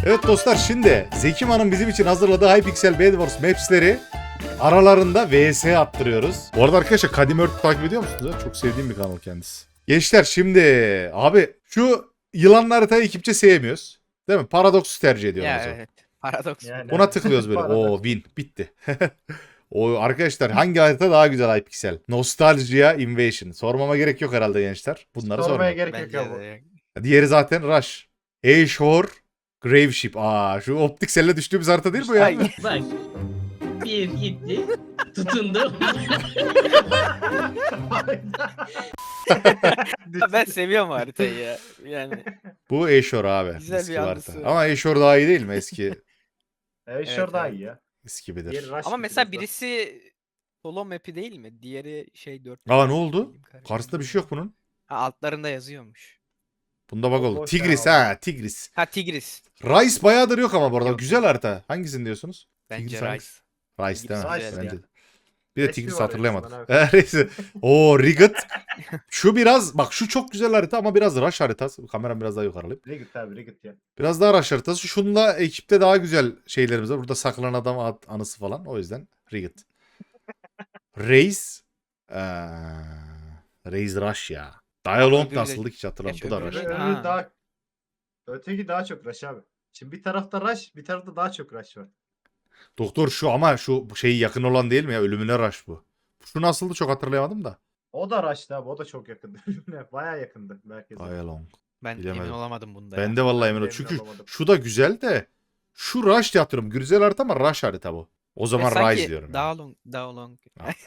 Evet dostlar, şimdi Zekiman'ın bizim için hazırladığı Hypixel Bed Wars maps'leri aralarında vs attırıyoruz. Bu arada arkadaşlar Kadim Earth takip ediyor musunuz? Çok sevdiğim bir kanal kendisi. Gençler şimdi abi şu yılanlı haritayı ekipçe sevmiyoruz. Değil mi? Paradox'u tercih ediyoruz. Ya evet. Paradoks. Yani. Buna tıklıyoruz böyle. Paradoks. Oo win bitti. O arkadaşlar hangi harita daha güzel Hypixel? Nostalgia Invasion. Sormama gerek yok herhalde gençler. Bunları Sormaya sormam. gerek yok Bence ya bu. de. Diğeri zaten Rush. Ashore Graveship. Aa şu optikselle düştüğümüz harita değil bu ya. Ay. Bak. Bir gitti. Tutundu. Ben seviyorum haritayı ya. Yani Bu Ashore abi. Güzel Eski bir harita. anısı. Ama Ashore daha iyi değil mi? Eski Evet, Evet, şurada daha evet. iyi ya. eskibidir. Diğeri Rush ama gibi mesela biraz birisi solo map'i değil mi? Diğeri şey 4. Aa ne oldu? Karşısında bir şey yok bunun. Ha, altlarında yazıyormuş. Bunda bak O oldu. boş Tigris ya. ha Tigris. Ha Tigris. Rice bayağıdır yok ama bu arada. Yok. Güzel harita. Hangisini diyorsunuz? Bence Tigris Rice. hangisi? Rice değil mi? Tigris güzel Bence ya. de. Bir de Resmi Tigris var hatırlayamadım. resmen Neyse. Oo Rigot. Şu biraz bak şu çok güzel harita ama biraz rush haritası. Kameram biraz daha yukarı alayım. Rigged abi Rigged ya. Biraz daha rush haritası. Şunla ekipte daha güzel şeylerimiz var. Burada saklanan adam anısı falan. O yüzden Rigot. Reis. Reis rush ya. Dialog öbürü de- nasıldı hiç hatırlamıyorum. Bu da öbürü rush. de- Öbürü Ha. daha öteki daha çok Rush abi. Şimdi bir tarafta Rush, bir tarafta daha çok Rush var. Doktor şu ama şu şeyi yakın olan değil mi ya? Ölümüne rush bu. Şu nasıldı çok hatırlayamadım da. O da Rush'tı abi, o da çok yakındı. Bayağı yakındı merkeze. Dialog. Ben Bilemedim. emin olamadım bunda Ben ya. de vallahi Ben emin de ol. emin Çünkü olamadım. şu da güzel de şu rush diye hatırlıyorum. Güzel harita ama rush harita bu. O zaman sanki Rise diyorum. daha long, daha long.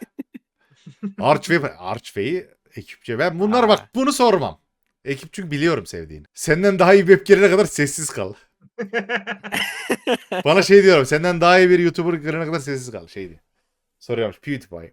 Archway'i ekipçe. Ben bunlara Aa. bak bunu sormam. Ekip çünkü biliyorum sevdiğini. Senden daha iyi bir web gelene kadar sessiz kal. Bana şey diyorum. Senden daha iyi bir YouTuber gelene kadar sessiz kal. Şey diye. Soruyormuş. PewDiePie.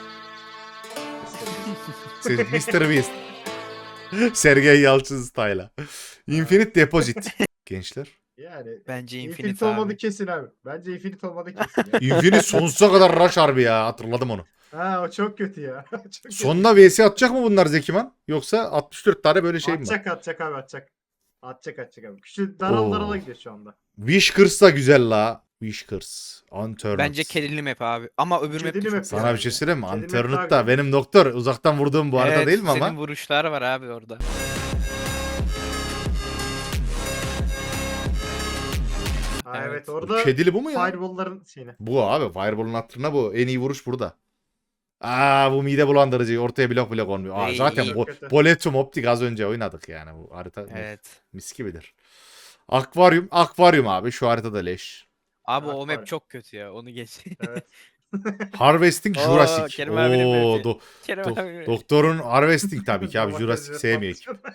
Mr. Beast. Sergey Yalçın style'a. Infinite Deposit. Gençler. Yani Bence Infinite Infinite olmadı abi. kesin abi. Bence Infinite olmadı kesin ya. Infinite sonsuza kadar rush harbi ya. Hatırladım onu. Ha o çok kötü ya. Çok kötü. Sonuna VS atacak mı bunlar Zekiman? Yoksa 64 tane böyle şey mi var? Atacak abi atacak. Atacak abi. Küçük daral Oo. darala gidiyor şu anda. Whiskers da güzel la. Whiskers. Unturned. Bence kedili map abi. Ama öbür map de Kedili çok map güzel. Sana bir şey söyleyeyim mi? Kedinin Unturned daha da güzel. benim doktor uzaktan vurduğum bu arada Evet, değil mi ama? senin vuruşlar var abi orada. Ha, Evet. evet Bu orada kedili bu mu ya? Fireball'ların şeyine. Bu abi. Fireball'un hatırına bu. En iyi vuruş burada. Aa bu mide bulandırıcı. Ortaya blok blok olmuyor. Aa, İyi, zaten iyi. bu Kötü. Boletum Optik az önce oynadık yani. Bu harita Evet. mis gibidir. Akvaryum abi. Şu haritada leş. Abi Bak o var. map çok kötü ya. Onu geç. Evet. Harvesting Oo, Jurassic. Kerim abinin Oo, mapi. Kerem abi. doktorun Harvesting tabii ki abi. Domates Jurassic ve sevmiyor. patlıcan.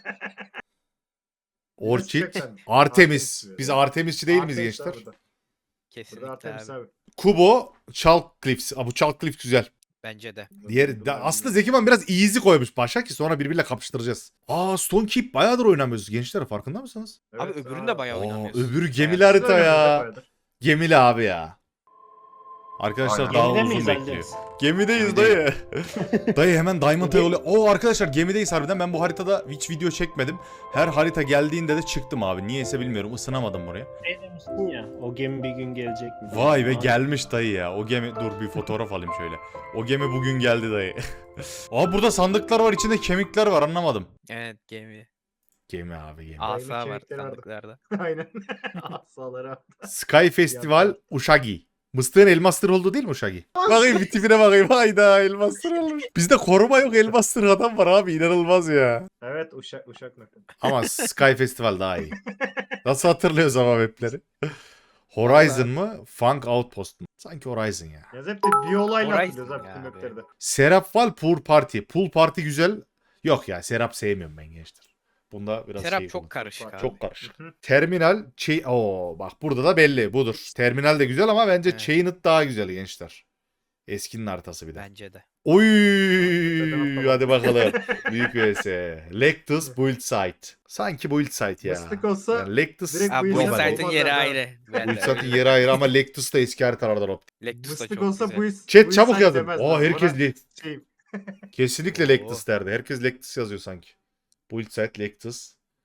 Orchid. Çok önemli. Artemis. Artemis Biz diyor. Artemisçi değil miyiz Artemis gençler? abi burada. Kesinlikle Burada Artemis abi. abi. Kubo, Chalk Cliffs. Aa, bu Chalk Cliff güzel. Bence de. Aslında Zekiman biraz easy koymuş başa ki sonra birbiriyle kapıştıracağız. Aa Stone Keep bayağıdır oynamıyoruz gençler farkında mısınız? Abi öbürünü de bayağı Aa, oynamıyorsun. öbürü Yani- gemili harita ya. Gemili abi ya. Arkadaşlar Aynen. daha Gemide uzun miyiz bekliyor. Aldeniz? Gemideyiz dayı. Dayı hemen Diamond'a yolu. Oo arkadaşlar gemideyiz harbiden. Ben bu haritada hiç video çekmedim. Her harita geldiğinde de çıktım abi. Niyeyse bilmiyorum. Isınamadım buraya. Şey demiştin ya, o gemi bir gün gelecek mi? Vay be Aa, gelmiş dayı ya. O gemi dur bir fotoğraf alayım şöyle. O gemi bugün geldi dayı. Aa burada sandıklar var içinde kemikler var anlamadım. Evet gemi. Gemi abi gemi. Asa var kemikleri vardı. sandıklarda. Aynen. Asaları abi. Sky Festival Uşagi. Mıstığın elmastır oldu değil mi Uşagi? Bakayım bir tipine bakayım. Hayda elmastır olmuş. Bizde koruma yok elmastır adam var abi inanılmaz ya. Evet uşak map'i. Ama Sky Festival daha iyi. Nasıl hatırlıyoruz ama mapleri? Horizon mı? Funk Outpost mu? Sanki Horizon ya. Ya hep de bir olayla Horizon hatırlıyoruz abi ya bütün abi. mapleri de. Serapval Pool Party. Pool Party güzel. Yok ya Serap sevmiyorum ben gençler. Bunda biraz Serap şey çok oldu. karışık abi. Çok karışık. Hı hı. Terminal Oo bak burada da belli budur. Terminal de güzel ama bence Evet. Chained daha güzel gençler. Eskinin haritası bir de. Bence de. Oy Zaten hadi bakalım. Büyük vs. Lectus Build Site. Sanki Build Site ya. Mıstık olsa Yani Lectus direkt Abi bu bu yüzden normal. site'ın olmaz yeri abi. ayrı. Ben Build de Site'in öyle. yeri ayrı ama Lectus da eski haritalardan optik. Lectus da mıstık çok olsa güzel. bu yüz. Chat çabuk yazın. demezler. Oo herkes Ona şey, kesinlikle Oo. Lectus derdi. Herkes Lectus yazıyor sanki. Build Site Lectus.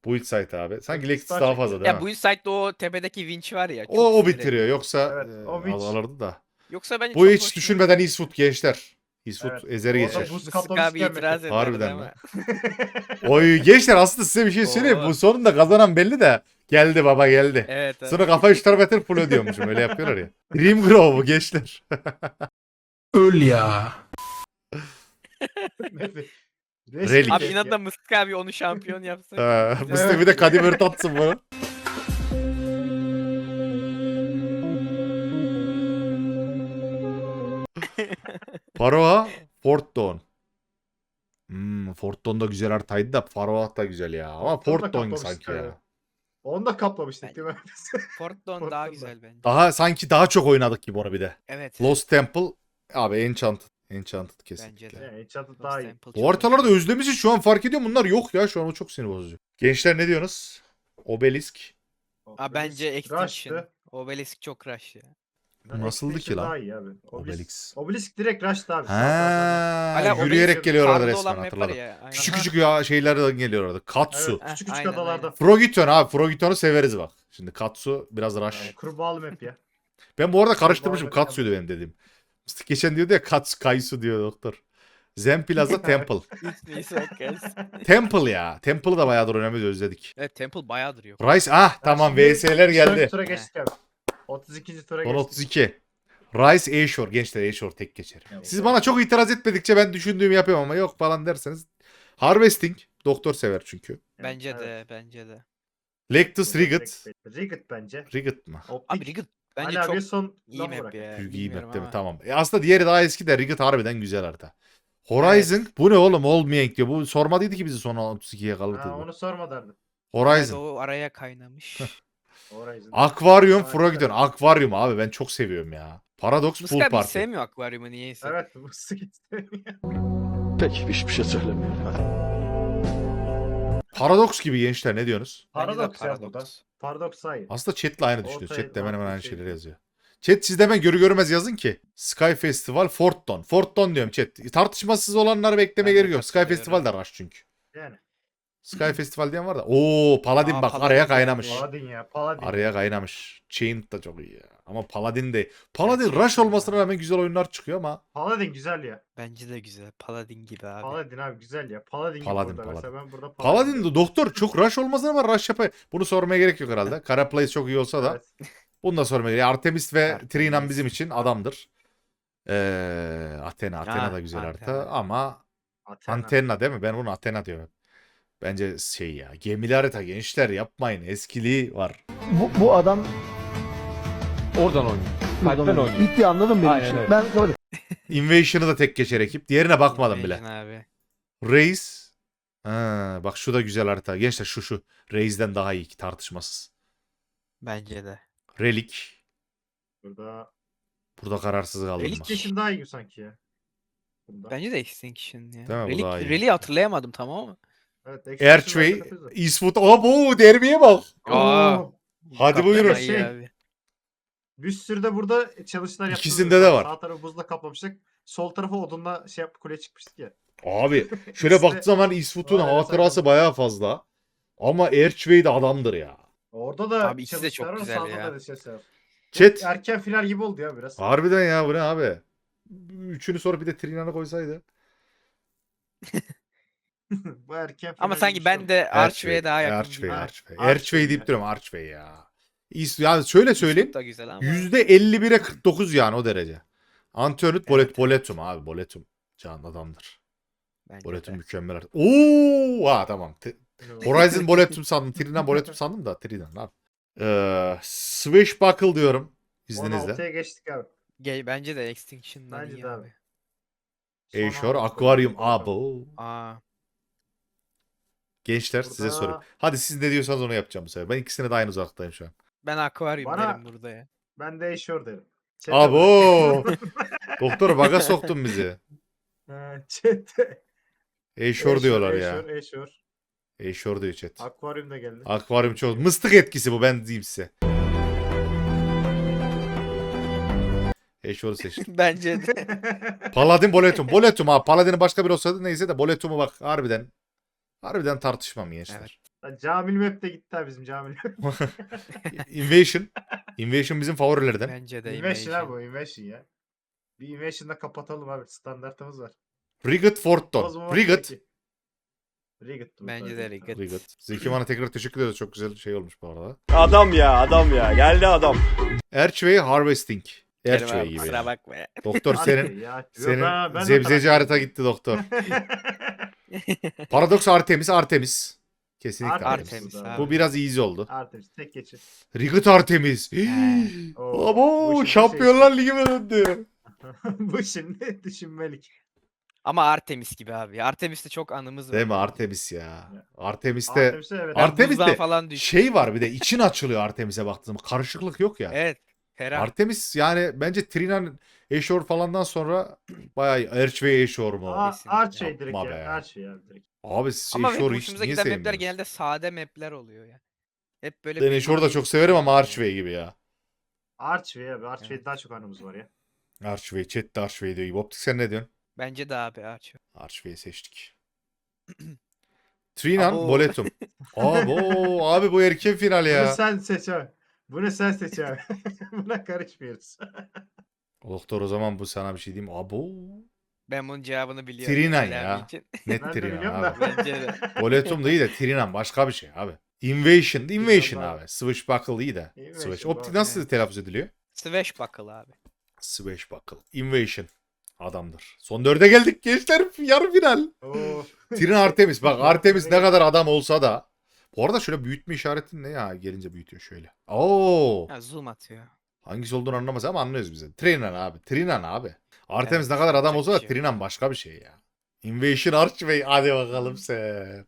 Build site abi. Sanki Lexus Daha daha çok fazla iyi. değil Ya mi? bu site'de o tepedeki winch var ya. çok O sinir bitiriyor. ediyor. Yoksa Evet, o winch. alırdı da. Yoksa bence Bu çok hiç hoşuma düşünmeden gidiyor. Eastwood gençler. Eastwood Evet. ezeri Orada geçer. buz Mısık kaplamışken abi itiraz Mete. ederdi Harbiden değil lan. mi? Oy gençler aslında size bir şey söyleyeyim. Oo. Bu sonunda kazanan belli de. Geldi baba geldi. Evet. Sonra kafa 3 tarafa full ödüyormuşum. Öyle yapıyorlar ya. Dream Grow bu gençler. Öl ya. Mete. Relik. Abi inatla Mısık abi onu şampiyon yapsın. Mıstık bir de Kadim Ört atsın bunu. Faroa Fort Dawn. Fort Dawn da güzel haritaydı da Faroa da güzel ya. Ama Fort Dawn'u da Fort Dawn kaplamıştık sanki ya. abi. Onu da kaplamıştık değil mi? Fort Dawn Fort daha Dawn. güzel bence. Daha sanki daha çok oynadık gibi onu bir de. Evet. Lost Temple abi Enchanted. Enchanted kesinlikle. Bence de. Yani çatı Lost daha iyi. Temple Bu çok haritaları da iyi. özlemişiz şu an fark ediyorum. Bunlar yok ya şu an o çok sinir bozucu. Gençler ne diyorsunuz? Obelisk. Aa, bence Extinction. Rush'tı. Obelisk çok rush ya. Bu nasıldı ki Extinction lan? Daha iyi abi. Obelix. Obelisk direkt rush'tı abi. Ha, Hala yürüyerek Obelisk geliyorlardı karlı resmen olan map var hatırladım. ya, aynen. Küçük küçük ya şeylerden geliyorlardı. Katsu. Evet, küçük Heh, küçük aynen, adalarda. aynen. Frogiton abi. Frogito'nu severiz bak. Şimdi Katsu biraz rush. Yani kurbağalı map ya. Ben bu arada karıştırmışım. Vallahi Katsu'ydu benim dediğim. Mıstık geçen diyordu ya Katsu Kaisu diyor doktor. Zen Plaza Temple. Neyse bakacağız. Temple ya. Temple'ı da bayağıdır önemli özledik. Evet Temple bayağıdır yok. Rice tamam Şimdi VS'ler geldi. Sonraki tura geçtik abi. 32. tura Son geçtik. 32. Rice Ashore. Gençler Ashore tek geçer. Ya, Siz o- bana çok itiraz etmedikçe ben düşündüğümü yapıyorum ama yok falan derseniz. Harvesting. Doktor sever çünkü. Bence Evet. de bence de. Lectus Rigot. Rigot bence. Rigot mu? Optik. Abi Rigot bence Hala çok bir son iyi laf map bırak. ya. Çünkü iyi bilmiyorum map değil mi? ama. Tamam. Aslında diğeri daha eski de Rigot harbiden güzel harita. Horizon. Bu ne oğlum? Olmayan diyor. Bu sormadıydı ki bizi son 32'ye kaldı. Ha, onu sorma derdim. Evet, Horizon. o araya kaynamış. Horizon. Aquarium Harika. Frogiton. Aquarium abi ben çok seviyorum ya. Paradox Mısık Pool abi hiç Party. sevmiyor akvaryumu niyeyse. Evet bu sıkı istemiyor. Pek hiçbir şey söylemiyor. Paradox gibi gençler ne diyorsunuz? Bence de Paradoks ya burada. paradoks. Paradoks sayı. Aslında chat'le aynı düşünüyor. Ortaya Chat de hemen hemen farklı aynı şey şeyleri değil. yazıyor. Chat siz de hemen görü görmez yazın ki. Sky Festival Fort Dawn. Fort Dawn diyorum chat. Tartışmasız olanları beklemeye Ben de gerek yok. Sky katılıyorum. Festival de rush çünkü. Yani. Sky Festival diyen var da. Oo Paladin Aa, bak Paladin araya geldi. kaynamış. Paladin ya. Paladin. Araya kaynamış. Chain da çok iyi ya. Ama Paladin de. Paladin Gerçekten rush olmasına ya. rağmen güzel oyunlar çıkıyor ama. Paladin güzel ya. Bence de güzel. Paladin gibi abi. Paladin abi güzel ya. Paladin, Paladin, gibi burada. Paladin. Mesela ben burada Paladin diyorum. de doktor çok rush olmasına ama rush yapıyor. Bunu sormaya gerek yok herhalde. Kara Place çok iyi olsa da. Evet. Bunu da sormaya gerek yok. Artemis ve Artemis. Trinan bizim için adamdır. Athena. Athena da güzel Athena. harita ama Athena. Antenna değil mi? Ben bunu Athena diyorum. Bence şey ya. Gemili harita gençler yapmayın. Eskiliği var. Bu adam Oradan oynuyor. Kalpten oynuyor. bitti anladın mı benim Aynen için? öyle. Ben öyle. Invasion'ı da tek geçer ekip. Diğerine bakmadım bile. Invasion Abi. Reis. Bak şu da güzel harita. Gençler şu. Reis'den daha iyi ki tartışmasız. Bence de. Relik. Burada Burada kararsız kaldım. Relik bak. Kesin daha iyi sanki ya. Bunda. Bence de Extinction ya. Değil mi? Bu daha iyi. Relic'i hatırlayamadım tamam mı? Evet, Erçvey. Extinction var, Eastwood. Abo derbiye bak. Aa. Oo. Hadi Kaptan buyurun. ayı Şey, abi. Bir sürü de burada çalışmalar yaptık. İkisinde de var. Sağ tarafı buzla kaplamıştık. Sol tarafı odunla şey yap kule çıkmıştık ya. Abi şöyle İkisi de- baktığı zaman Eastwood'un Aynen, hatırası sakın. bayağı fazla. Ama Erçvey de adamdır ya. Orada da Abi ikisi de çok çalışmalar var, güzel sağda ya. da çalışmalar var. Chat. Erken final gibi oldu ya biraz. Harbiden ya bu ne abi? Üçünü sonra bir de Trinan'ı koysaydı. Bu erken final Ama gibi sanki bir ben şey oldu. de Archway'e daha yakın Archway, gibi. Archway. Archway Archway deyip ya. duruyorum Archway ya. Ya şöyle söyleyeyim. Eastwood da güzel ama. %51'e 49 yani o derece. Antonut Evet. Boletum abi. Boletum. Can adamdır. Bence Boletum de. mükemmel. Oo, tamam. Horizon Boletum sandım. Trinan Boletum sandım da. Trinan abi. Swashbuckle diyorum. İzninizle. 16'ya geçtik abi. Bence de Extinction'dan Bence iyi de abi. abi. Son Ashore, altı Aquarium. bakalım. Abo. Aa. Gençler size Burada- sorayım. Hadi siz ne diyorsanız onu yapacağım bu sefer. Ben ikisine de aynı uzaktayım şu an. Ben Aquarium Bana- derim burada ya. Ben de Ashore derim. Chat'e Abo. bak. Doktor baga soktun bizi. Chat'te. Ashore diyorlar ya. Ashore. Ashore diyor chat. Aquarium da geldi. Akvaryum çok. Mıstık etkisi bu ben diyeyim size. Ashore'u seçtim. Bence de. Paladin Boletum. Boletum abi. Paladin'in başka biri olsaydı neyse de Boletum'u bak harbiden. Harbiden tartışmam gençler. Evet. Lan Camil Map de gitti ha bizim Camil Map. Invasion. Invasion bizim favorilerden. Bence de Invasion abi Invasion. o Invasion ya. Bir Invasion'da kapatalım abi. Standartımız var. Rigot Forton. Bozmamak Rigot. gerekiyor. Rigot. Bence de Rigot. Rigot. Zeki bana tekrar teşekkür ederiz. Çok güzel şey olmuş bu arada. Adam ya adam ya. Geldi adam. Archway Harvesting. Kerim Archway abi, gibi. kusura yani. bakma ya. Doktor senin Ya, senin ben de zebzeci taraf- harita gitti doktor. Paradox Artemis. Kesinlikle Artemis. Artemis bu da. abi. Bu biraz easy oldu. Artemis tek geçin. Rigot Artemis. Oo, Abo bu şimdi Şampiyonlar Ligi'ne döndü. bu şimdi düşünmelik. Ama Artemis gibi abi. Artemis'te çok anımız var. Değil mi Artemis ya? Artemis'te Artemis'e evet. Ar- Artemis'te Buzdan falan düştü. şey var bir de için açılıyor Artemis'e baktığımda. Karışıklık yok ya. Evet. Ferah. Artemis yani bence Trinan Eşor falandan sonra bayağı Archway Eşor mu? Archway direkt Yapma ya. be. Archway abi direkt. Abi siz Ama hep Eşor'u hiç hoşumuza niye giden mapler sevmiyorsunuz? genelde sade mapler oluyor ya. Hep böyle Ben bir Eşor'u da mavi çok severim ama yani. Archway gibi ya. Archway abi. Archway'de Evet. daha çok anımız var ya. Archway, chat de Archway diyor gibi. Optik sen ne diyorsun? Bence de abi Archway. Archway'i seçtik. Trinan Abo. Boletum. Abi bu erken final Bunu ya. sen seç abi. Bunu sen seç abi. Buna karışmıyoruz. Doktor o zaman bu sana bir şey diyeyim. Abo. Ben bunun cevabını biliyorum. Trinan Ali ya. abi için. Net Ben de Trinan biliyorum abi. da. Bence de. Boletum da iyi de Trinan başka bir şey abi. Invasion abi. abi. Swashbuckle iyi de. Invasion, Switch. doğru. Optik nasıl telaffuz ediliyor? Swashbuckle abi. Swashbuckle. Invasion. Adamdır. Son 4'e geldik gençler. Yarı final. Oo. Trinan Artemis. Bak Artemis ne kadar adam olsa da. Bu arada şöyle büyütme işareti ne ya? Gelince büyütüyor şöyle. Oo. Ha, zoom atıyor. Hangisi olduğunu anlamaz ama anlıyoruz bize. Trinan abi. Trinan abi. Artemis Evet, ne kadar adam yapacak olsa bir da şey yok. Trinan başka bir şey ya. Invasion Archway. Hadi bakalım sen.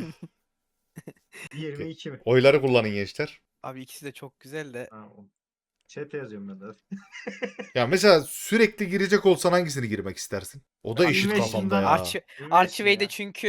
22 mi? Oyları kullanın gençler. Abi ikisi de çok güzel de. Ha, o. Chat'e yazıyorum ben de. Ya mesela sürekli girecek olsan hangisini girmek istersin? O da Ya eşit Invasion'dan kafamda ya. Archway'de ya. çünkü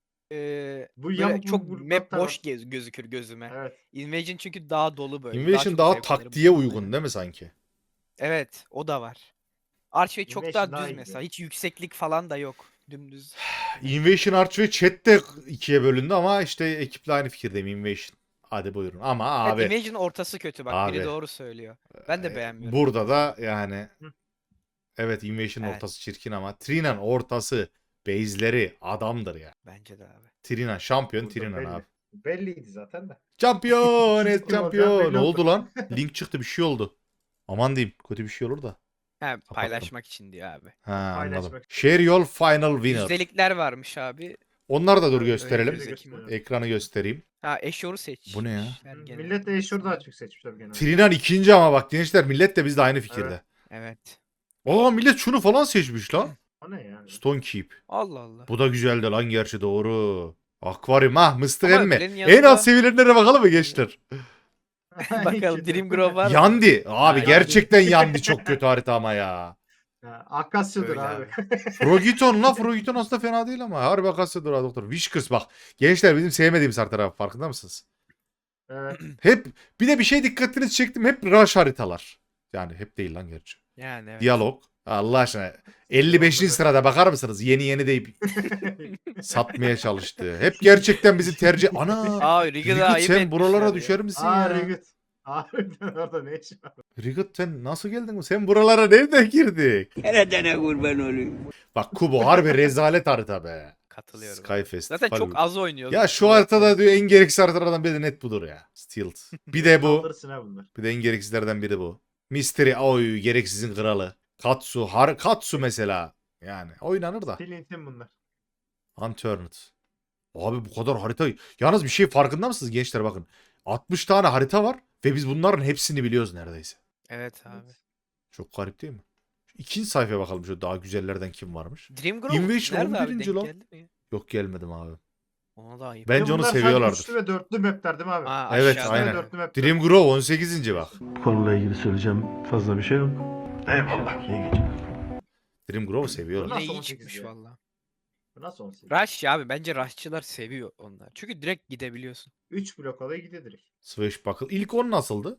Bu böyle yamuk çok yumruk map noktalar. boş gözükür gözüme. Evet. Invasion çünkü daha dolu böyle. Invasion çok daha zevk alırım taktiğe bu uygun konuda. değil mi sanki? Evet, o da var. Archway çok Invasion daha daha düz iyi mesela. Hiç yükseklik falan da yok. Dümdüz. Invasion Archway chatte ikiye bölündü ama işte ekiple aynı fikirdeyim Invasion. Hadi buyurun ama abi Evet, Invasion'ın ortası kötü bak. Abi. Biri doğru söylüyor. Ben de beğenmiyorum. burada da yani Hı. evet Invasion'ın Evet. ortası çirkin ama Trinan ortası base'leri adamdır ya. Bence de abi. Trinan şampiyon Burada Trinan belli. abi. Belliydi zaten de. Şampiyon İkinci et kim olacağı şampiyon. belli Ne oldu. oldu lan? Link çıktı bir şey oldu. Aman diyeyim kötü bir şey olur da. He, paylaşmak için diyor abi. Ha anladım. Paylaşmak. Share your final winner. Yüzdelikler varmış abi. Onları da dur Öyle gösterelim. öyle Zeki mi? gösteriyor. Ekranı göstereyim. Ha Eşor'u seç. Bu ne ya? Millet de Eşor'u daha çok seçmişler genelde. Trinan ikinci ama bak gençler millet de bizle aynı fikirde. Evet. Aa millet şunu falan seçmiş lan. O ne yani? Stone Keep. Allah Allah. Bu da güzeldi lan gerçi doğru. Akvaryum mıstık Ama emmi. öbürünün En yanında- az sevilenlere bakalım mı gençler? Bakalım Dream Grove var mı? Yandi. Abi Ha, gerçekten Yandi çok kötü harita ama ya. Ha, Akasya'dır Öyle abi. Frogiton la Frogiton aslında fena değil ama. Harbi Akasya'dır ha doktor. Whiskers bak. Gençler bizim sevmediğimiz haritalar farkında mısınız? Evet. Hep bir de bir şey dikkatinizi çektim. Hep rush haritalar. Yani hep değil lan gerçi. Yani evet. Diyalog. Allah aşkına. 55. sırada bakar mısınız? Yeni deyip satmaya çalıştı. Hep gerçekten bizi tercih... Ana! Aa Riga'da Rigot ayıp sen etmişler buralara ya. düşer misin Aa ya? Rigut. Harbiden orada ne işin var? Rigot sen nasıl geldin? Sen buralara nereden girdik? Nereden kurban olayım? Bak Kubo harbi rezalet harita be. Katılıyorum. Skyfest. Zaten çok az oynuyoruz. Ya şu haritada diyor en gereksiz haritalardan biri de net budur ya. Stilt. Bir de bu. Kaldırırsın ha bunlar. Bir de en gereksizlerden biri bu. Mystery oy gereksizin kralı. Katsu. Katsu mesela. Yani oynanır da. Flint'in bunlar. Unturned. Abi bu kadar harita. Yalnız bir şey farkında mısınız gençler bakın. 60 tane harita var ve biz bunların hepsini biliyoruz neredeyse. Evet abi. Çok garip değil mi? Şu ikinci sayfaya bakalım şu daha güzellerden kim varmış. Dream Grove Invasion nerede abi? 11. Denk lan. geldi mi? Yok gelmedim abi. Ona da ayıp. Bence Bir de onu bunlar sadece seviyorlardır. Üçlü ve dörtlü mapler değil mi abi? Aa, Evet, aşağıda. aynen. Dörtlü mapler. Dream Grove 18. bak. Konuyla ilgili söyleyeceğim fazla bir şey yok. Eyvallah. İyi geceler. Dream Grove seviyorlar. Nasıl Yine iyi 18 çıkmış ya? valla. Bu nasıl 18? Rush ya abi bence Rush'çılar seviyor onlar. Çünkü direkt gidebiliyorsun. 3 blok alaya gidiyor direkt. Swashbuckle. İlk 10 nasıldı?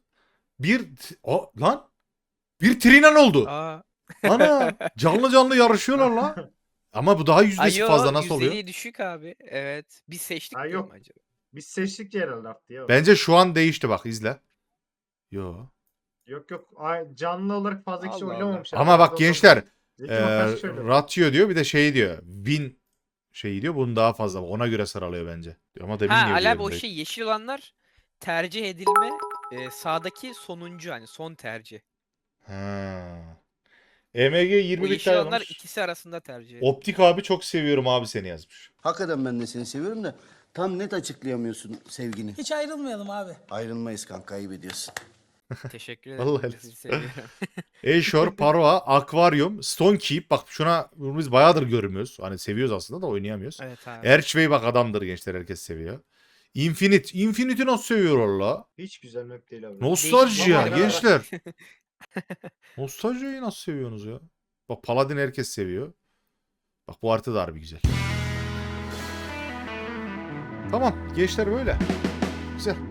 Lan. Bir Trinan oldu. Aa. Ana. Canlı yarışıyorlar lan. Ama bu daha yüzdesi Ayo, fazla nasıl oluyor? yüzdeliği düşük abi. Evet. Biz seçtik Ha, değil yok. mi acaba? Biz seçtik herhalde arttı ya. Bence şu an değişti bak izle. Yo. Yok. Canlı olarak fazla kişi Allah Allah. oynamamış. Ama bak gençler Zeki kaç kişi oynadı? ratio diyor bir de şey diyor. Win şeyi diyor. Bunun daha fazla. Ona göre sıralıyor bence. Ama demin Ha niye Ali abi o diyorum şey yeşil olanlar tercih edilme sağdaki sonuncu hani son tercih. Ha. EMG O 20 bit yeşil olanlar yazmış. ikisi arasında tercih edilme. Optik abi çok seviyorum abi seni yazmış. Hakikaten ben de seni seviyorum da tam net açıklayamıyorsun sevgini. Hiç ayrılmayalım abi. Ayrılmayız kanka, ayıp ediyorsun. Teşekkür ederim. Vallahi Sizi seviyorum. Eşor, Parva, Aquarium, Stone Keep. Bak bunu biz bayağıdır görmüyoruz. Hani seviyoruz aslında da oynayamıyoruz. Evet abi. Erçvey bak adamdır gençler herkes seviyor. Infinite. Infinite'i nasıl seviyor la? Hiç güzel map değil abi. Nostalji Değişik ya ama- gençler. Nostaljiyi nasıl seviyorsunuz ya? Bak Paladin herkes seviyor. Bak bu harita da harbi güzel. Tamam gençler böyle. Güzel.